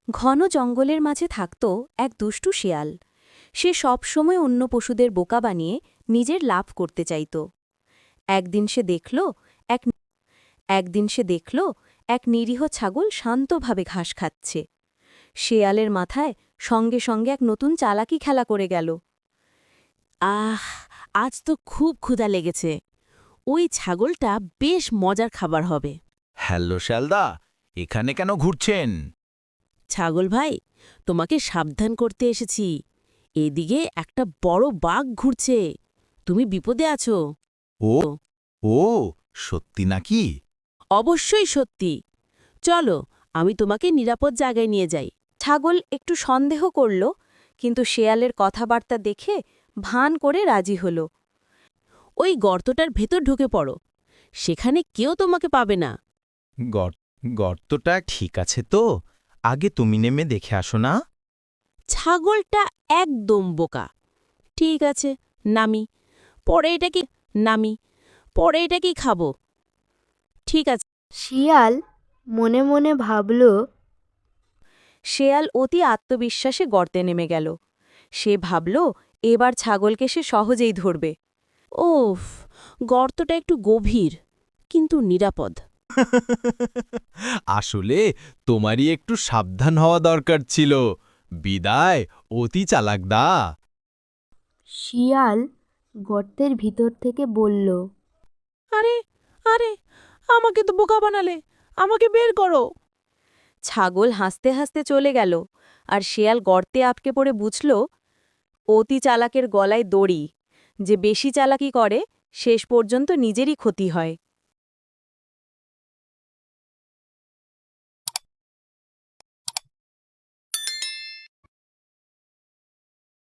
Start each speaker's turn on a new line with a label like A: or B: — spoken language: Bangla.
A: ঘন জঙ্গলের মাঝে থাকত এক দুষ্টু শেয়াল। সে সব সময় অন্য পশুদের বোকা বানিয়ে নিজের লাভ করতে চাইত। একদিন সে দেখল এক একদিন সে দেখল এক নিরীহ ছাগল শান্তভাবে ঘাস খাচ্ছে। শেয়ালের মাথায় সঙ্গে সঙ্গে এক নতুন চালাকি খেলা করে গেল।
B: আহ, আজ তো খুব ক্ষুধা লেগেছে। ওই ছাগলটা বেশ মজার খাবার হবে।
C: হ্যালো শ্যালদা, এখানে কেন ঘুরছেন?
B: ছাগল ভাই, তোমাকে সাবধান করতে এসেছি। এদিকে একটা বড় বাঘ ঘুরছে। তুমি বিপদে আছো।
C: ও ও সত্যি নাকি?
B: অবশ্যই সত্যি। চলো, আমি তোমাকে নিরাপদ জায়গায় নিয়ে যাই।
A: ছাগল একটু সন্দেহ করল, কিন্তু শেয়ালের কথাবার্তা দেখে ভান করে রাজি হল।
B: ওই গর্তটার ভেতর ঢুকে পড়ো। সেখানে কেউ তোমাকে পাবে না।
C: গর্তটা ঠিক আছে তো? আগে তুমি নেমে দেখে আসো না।
B: ছাগলটা একদম বোকা। ঠিক আছে, নামি। পরে এটা কি খাবো? ঠিক আছে।
D: শিয়াল মনে মনে ভাবল,
A: শেয়াল অতি আত্মবিশ্বাসে গর্তে নেমে গেল। সে ভাবল এবার ছাগলকে সে সহজেই ধরবে।
B: ওফ, গর্তটা একটু গভীর, কিন্তু নিরাপদ।
C: আসলে তোমারই একটু সাবধান হওয়া দরকার ছিল। বিদায়, অতি চালাকদা।
D: শিয়াল গর্তের ভিতর থেকে বলল,
B: আরে আরে, আমাকে তো বোকা বানালে। আমাকে বের করো।
A: ছাগল হাসতে হাসতে চলে গেল, আর শেয়াল গর্তে আটকে পড়ে বুঝল অতি চালাকের গলায় দড়ি। যে বেশি চালাকি করে শেষ পর্যন্ত নিজেরই ক্ষতি হয়।